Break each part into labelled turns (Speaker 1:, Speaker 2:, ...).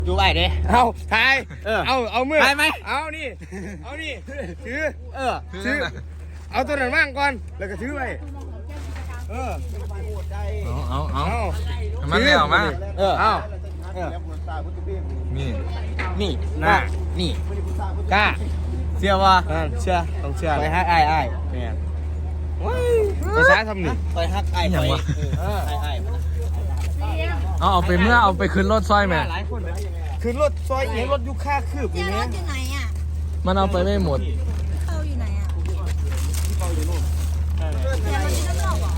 Speaker 1: ดูไปเด้
Speaker 2: เอาทาย เอามือ
Speaker 1: ทายไหม
Speaker 2: เอานี่ถือ
Speaker 1: ถือ
Speaker 2: เอาตัวนั้นว่างก่อนแล้วก็ถือไปเอา
Speaker 3: มันไม่ออกมา
Speaker 2: เอา
Speaker 3: นี่
Speaker 1: นี่นะนี่กล้าเชื่อว่า
Speaker 2: เชื่อต้องเชื่อ
Speaker 1: ไปฮักไอ้
Speaker 2: เนี่ยภาษาทำนี่
Speaker 1: ไปฮักไอ้ไปไอ้
Speaker 3: เอาไปเมื่อเอาไปขึ้นรถซอยแม่
Speaker 1: หลายคน
Speaker 2: คือรถซอยเองรถยุค่าคืบอ
Speaker 4: เจ๊
Speaker 2: ย่าง
Speaker 4: ร
Speaker 2: เงี้ย
Speaker 4: ถอยู่ไหนอ่ะ
Speaker 3: มันเอาไปไม่หมด
Speaker 4: เข้าอยู่ไหนอ่ะเจ๊รถอยู่ด้านนอกเหรอ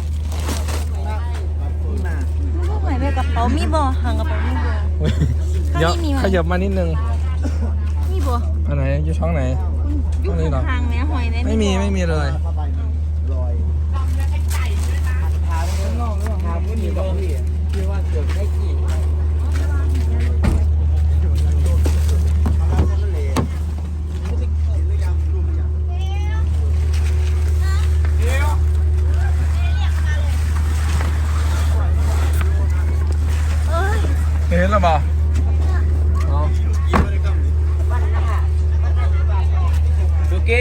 Speaker 4: ลูกไหนไปกระเป๋ามีบ่ห่างกระเป๋ามีบ่
Speaker 3: เดี๋ยวขยับมานิดนึง
Speaker 4: มีบ่
Speaker 3: อันไหนอยู่ช่องไหน
Speaker 4: อยู่ห่างแม่หอยแม่
Speaker 3: ไม่มีเลย เห็นแล้วเปล่าเอา
Speaker 1: สุกี้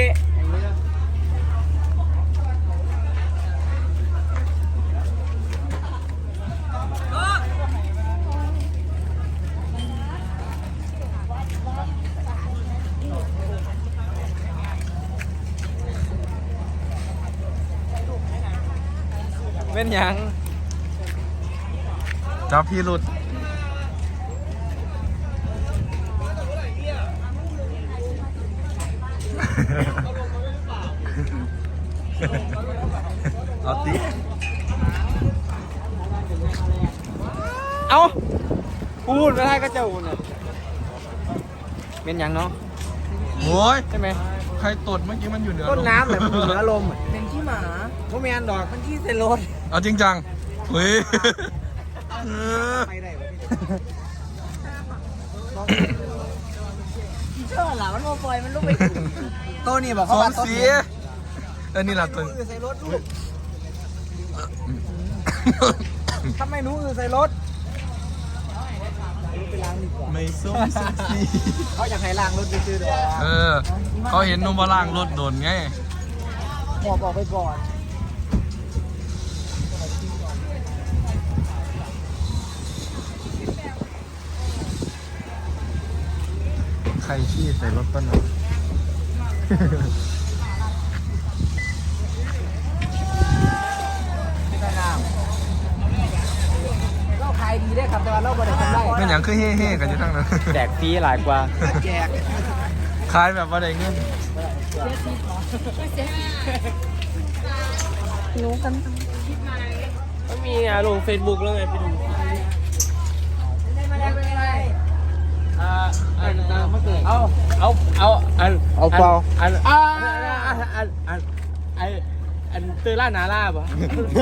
Speaker 2: เป็นยัง
Speaker 3: จับพี่หลุดเอาตี
Speaker 2: เอาพูดไม่ได้ก็จะอุ่นเป็นยังเนาะ
Speaker 3: โอ้ย
Speaker 2: ใช่ไหม
Speaker 3: ใครตดเมื่อกี้มันอยู่เหนือ
Speaker 2: ต้น
Speaker 3: ลม
Speaker 2: น้ำแหละมันอยู่เหนือลม
Speaker 1: เป็นขี้หมา
Speaker 2: เขาแมนดอกมันขี้เซรถ
Speaker 3: เอาจริงจังเฮ้ย
Speaker 2: ไปได้
Speaker 1: เชื่อหล่ะมันโมปล่อยมันลุกไปโตนี่บอก
Speaker 3: ส
Speaker 1: เขา
Speaker 3: อ
Speaker 1: ว่าง ต้น
Speaker 3: สีนี่แหละตัว
Speaker 1: ใส่รถลูกทำไมหนูใส่รถ
Speaker 3: ไม่ส้มสักที
Speaker 1: เขาอยากให้ล้างรถไปซื้อเด้อ
Speaker 3: เขาเห็นนุ่มบาล่างรถโดนไง
Speaker 1: บอกไปก่อน
Speaker 3: ใครขี้ใส่รถต้นน่ะ
Speaker 1: เราขายดีได้ครับแต่ว่าเราบริการได้
Speaker 3: เป็นอย่างคือเฮ่ๆกันอยู่ทั้งนั้น
Speaker 2: แดกฟรีหลายกว่า
Speaker 1: แจก
Speaker 3: ขายแบบว่าได้เงิน
Speaker 4: รู้กัน
Speaker 2: มันมีลงเฟซบุ๊กแล้วไงไปดูอันเตอร์ล่านาล่าป่ะ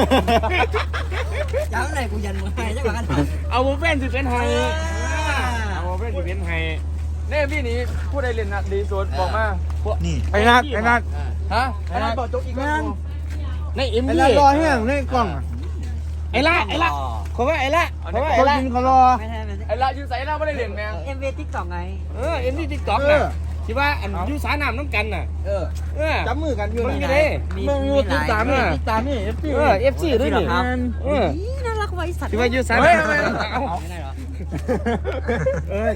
Speaker 1: ย้ำไหนกูยันมือให้ใช่ไหมกัน
Speaker 2: เอาโมเป็นสิเป็นไฮเอาโมเป็นสิเป็นไฮเนี่ยพี่นี้ผู้ใดเรียนดีสุดบอกมานี่ไอ้นัดฮะไอ้นัดบอกจกอีกแล้วในเอ็มดีรอเฮียงในกล่องไอ้ละเขาว่าไอ้ละเขาว่าไอ้ละเขารอไอ้ละยูใส่ละไม่ได้เรียนแมง
Speaker 1: เอ็มวีติ๊กต็อกไง
Speaker 2: เอ็มดีติ๊กต็อกน่ะที่ว่าอันยูสาน้ำน้ำกันน่ะจับมือกันอยู่นี่เลยมึงยูติดตามนี่เอฟซีด้วยนี่
Speaker 4: น่ารักไว้สัตว์
Speaker 2: ที่ว่ายูสาน้ำไม่ได้หรอโอ้ย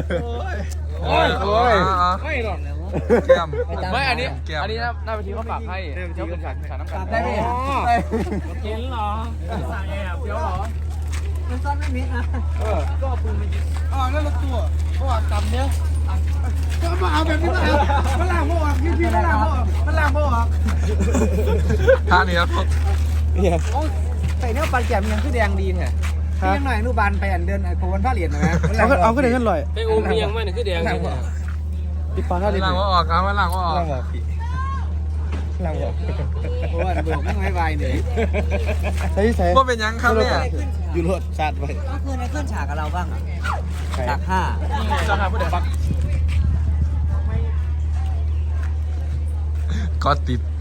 Speaker 2: ไม่หรอก
Speaker 3: แก้ม
Speaker 2: ไม่อันนี้
Speaker 3: แก้ม
Speaker 2: หน้าเวทีเขาฝากให้เจ้าเป็นฉากน้ำกัน
Speaker 1: ได้ไหม
Speaker 2: กินเหรอสั่งแอบเดี๋ยวเหรอ
Speaker 1: มันซ่อนไม่มิดนะ
Speaker 2: ก็ปืนมันยิงนั่นละตัวเพราะว่ากำเนี้ยก็มาเอาแบบนี้มาเอามันล่างพวกพี่มันล่างพวก
Speaker 3: ท่านี้ครับ
Speaker 1: ใส่เนื้อปลาแก้มยังคือแดงดีเนี่ยยังหน่อยนูบานไปอันเดินโคนผ้าเหรียญนะ
Speaker 2: เอาขึ้นกันเลยไปอุ้มยังไม่เนี่ยคือแดงติดปลาท่าดิ
Speaker 3: ล่างว่าออกเอามาล่างว่าออก
Speaker 2: ล่างบอกพี่ล่างบอก
Speaker 1: เพราะว่าเบิกไม่ไว้ไวเนี่ย
Speaker 2: ใส่
Speaker 3: ว่าเป็นยังครับเนี่ย
Speaker 2: อยู่รถชาติไว้
Speaker 1: ก็คือในเครื่องฉากกับเราบ้างอ่ะฉาก
Speaker 2: จะหาผู้ใดปัก
Speaker 3: ก็ติด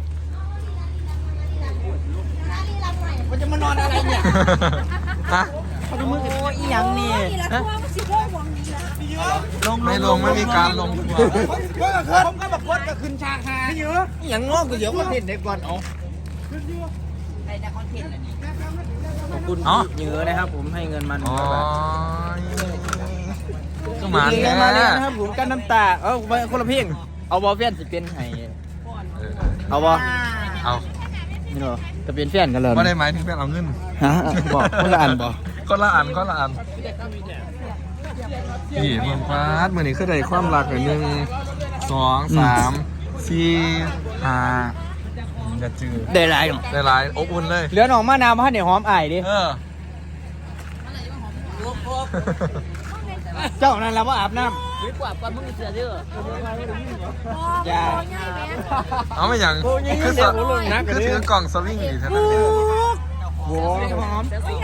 Speaker 1: มันจะมานอนอะไรเนี่ย
Speaker 3: ฮะ
Speaker 1: โอ้ยยังนี่
Speaker 4: นี่แหละพวกสิบโมงหวังนี้แหละ
Speaker 3: ไม่ลงไม่มีการลง
Speaker 1: ผมก็แบบคนก็ขึ้นฉากหาเยอะอย่างงอกก็เดี๋ยวก็เห็นเด็กก่อนเอา
Speaker 4: ไปแต่คอนเทนต์อันนี้
Speaker 1: ขอบคุณเยอะนะครับผมให้เงินมัน
Speaker 3: อ๋อก็มา
Speaker 1: เงิ
Speaker 3: แล้
Speaker 1: นมาแล้วนะครับผมกันน้ำตาคนละเพลงเอาบอลเฟียนสิเป็นไห้เอาบอ
Speaker 3: เอา
Speaker 1: นี่เหรอจะเป็นแฟนกันเลย
Speaker 3: ไม่ได้หมายถึงแฟนเอาเงิน
Speaker 1: ฮะบอกคนละอันบอก
Speaker 3: คนละอันนี่เมืองฟาดมือนี้คือได้ความรักหนึ่ง2 3 4 5จะจืด
Speaker 1: ได้ไรหรอ
Speaker 3: ได้หลายอบอุ่นเลย
Speaker 1: เหลือหนองมะนาวมาให้เนี่ยหอมไอ้ดิ
Speaker 3: เออ
Speaker 1: เจ้านั่นเราว่าอาบน้
Speaker 4: ดีกว่าก่อนมึงเสือเด้อ
Speaker 1: ำอย่า
Speaker 3: เอาไม่อย่างคือถือกล่องสวิงอยู่เท่านั้นเอง
Speaker 1: โว้หอม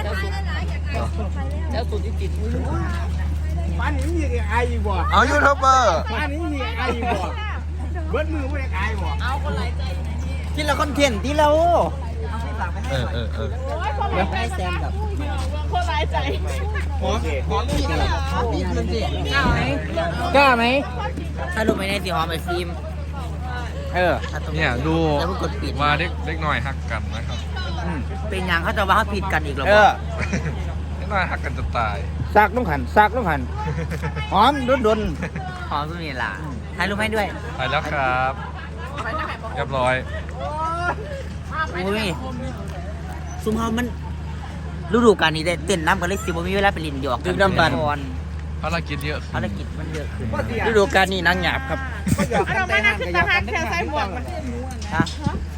Speaker 4: แล้วสุดที่ติด
Speaker 1: ป้านี้มีไอ้บ่
Speaker 3: เอายูทูบเบอร์
Speaker 1: ป้านี้มีไอ้บ่เบิ้ลมือไม่ได้ไอ้บ่
Speaker 4: เอาคนหลายใจ
Speaker 1: กินแล้วคอนเทนต์ที่เรา
Speaker 3: เออ
Speaker 1: แล้วให้แซมกับ
Speaker 4: คนหลายใจ
Speaker 1: หอมมีกันมีเพื่อนสิกล้าไหม
Speaker 4: ถ้าดูไม่ได้สิหอมไอฟิล์ม
Speaker 3: เนี่ยดู
Speaker 4: แล้วมึงกดปิด
Speaker 3: ว่าเด็กน้อยหักกันนะครับ
Speaker 4: เป็นยังเขาจะว่าเขาผิดกันอีกหรอ
Speaker 1: เออ
Speaker 3: เด็กน้อยหักกันจะตาย
Speaker 1: ซากต้องหันหอมดน
Speaker 4: หอมสุดนี่ล่ะถ่ายรูปให้ด้วย
Speaker 3: ไปแล้วครับเรียบร้อย
Speaker 4: อุ้ยซุมเฮามันฤดูกาลนี้ได้เต้นน้ำกันเลยสิบ่มีเวลาไปลินหยอก
Speaker 1: ดื่มน้ำบัน
Speaker 3: ภารกิจเยอะ
Speaker 4: ภารกิจมันเยอะขึ้น
Speaker 1: ฤดูกาลนี้นางหยาบครับ
Speaker 5: เราไม่น่าขึ้นตาหางแค่ใส่หมวกมัน
Speaker 4: ฮะ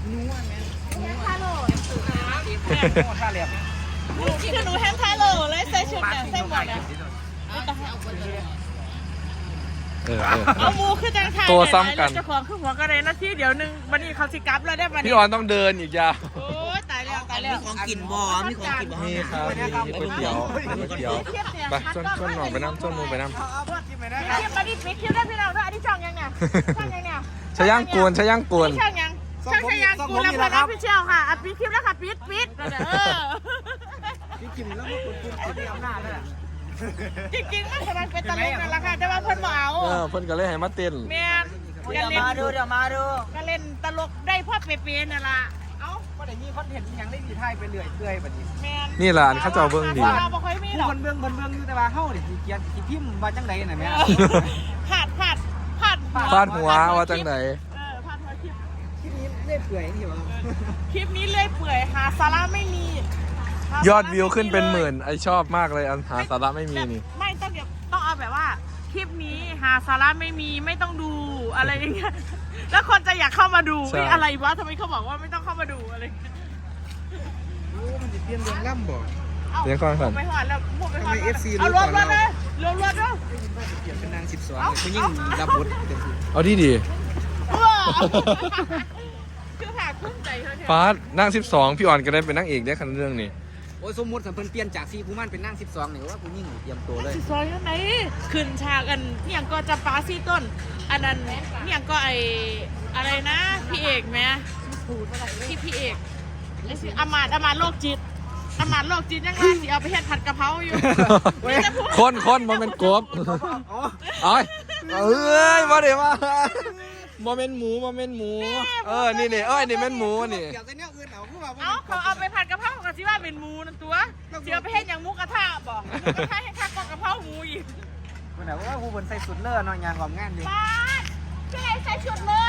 Speaker 5: คือหนูแฮมทาโลเลยใส่ชุดเนี่ยใส่หมวกเนี่ย เอามูคือจังไทยเจ้าของคือหัวกระเด็นนาทีเดี๋ยวนึงวันนี้เขาสิกับแล้วได้วัน
Speaker 3: พี่
Speaker 5: นี้
Speaker 3: ออนต้องเดินอีกยาว
Speaker 5: โอ้ยตายแล้วตายแล้ว
Speaker 4: มีของกินบ่มีของกินบ่
Speaker 3: นี่ครับมีก๋วยเตี๋ยวไปชวนหน่องไปน้ำชวนมูไปน้ำ
Speaker 5: คลิปมาดิปิดคลิปได้พี่น้องด้วยอันนี้ช่องยังเนี่ยช่องยังเนี่ย
Speaker 3: ชะย่างกวน
Speaker 5: ช่องยังช่างกูแล้วพอน้องพี่เชี่ยวค่ะปิดคลิปแล้วค่ะปิด
Speaker 1: พี่กิมแล้วมาคุณที่อำนาจเลย
Speaker 5: จริงๆมันสมันเป็นตลกนั่นแหละค่ะแต่ว่าเพิ่นบ่เอา
Speaker 3: เพิ่นก็เลยให้มาเต้น
Speaker 5: แม่กันเล่น
Speaker 4: เดี๋ยวมาดู
Speaker 5: ก็เล่นตลกได้พ่อเปย์นั่นล่ะเอ้า
Speaker 1: ว่าแต่นี่คอนเทนต์ยังได้ดีไทยไปเรื่อยแบบนี้
Speaker 5: แม่
Speaker 3: นี่ล่ะเขาเจ้าเบิ่งดี
Speaker 5: เราบ่ค่อยมีหรอก
Speaker 1: คนเบื้องอยู่แต่ว่าเฮานี่สิเกียรติพิมพ์ว่าจังไดน่ะแม่
Speaker 5: ผาด
Speaker 3: ฟาดหัวว่าจังไหน
Speaker 5: ผาดหัวคลิป
Speaker 1: ที่นี้เล่เปื่อยนี่ว่า
Speaker 5: คลิปนี้เลื่อยเปื่อยหาสาระไม่มี
Speaker 3: ยอดวิวขึ้นเป็นหมื่นไอชอบมากเลยอันหาสาระไม่มีนี่
Speaker 5: ไม่ต้องเอาแบบว่าคลิปนี้หาสาระไม่มีไม่ต้องดูอะไรอย่างเงี้ยแล้วคนจะอยากเข้ามาดูอะไรวะทำไมเขาบอกว่าไม่ต้องเข้ามาดูอะไร
Speaker 1: มันจะเปลี่ยนเรื่องล่ำบ่
Speaker 3: เลี้ยงก่อนก่อน
Speaker 5: ไปหอดแล้วพูดไปหอด
Speaker 1: ทำไม FC
Speaker 5: เอารวมเลยรวมด้วย
Speaker 1: เปลี่ยนเป็นนาง12ผู้หญิงรับบทเต็มที่
Speaker 3: เอาดี
Speaker 5: คือผ่าคุ้มใจเธอ
Speaker 3: ฟาดนั่ง12พี่อ่อนก็ได้เป็นนางเอกได้คันเรื่องนี้
Speaker 1: โอ้ยสมมุติสัมเพิ่นเปลี่ยนจาก4ผู้มันเป็นนาง12นี่ว่าผู้หญิงเตรียมตัวเลย
Speaker 5: ซอยยังไงขึ้นฉากกันเนี่ยก็จะปาซี่ต้น อันนั้นเนี่ยก็ไออะไรนะพี่เอกไหมพี่เอกไอ้สิอมาตย์โรคจิตยังไงสิเอาไปเฮ็ดผัดกะเพราอยู่
Speaker 3: คนมันเป็นกบเอ้ยมาเดี๋ยวมาโมเมนต์หมูนี่เอ้ยนี่เป็นหมูนี่
Speaker 1: เกี่ยวกับเนี่ยอื่นเอาคือว่า
Speaker 5: เอาเขาเอาไปผัดกะเพรากับสิว่าเป็นหมูนั่นตัวสิเอาไปเฮ็ดอย่างหมูกระทะบ่หมูกระทะให้คักกะเพราหมูอีก
Speaker 1: มันว่าผู้เพิ่นใส่สุดเลิศเนาะงานของงานอยู่
Speaker 5: ป้าพี่ไหนใส่ชุดเลย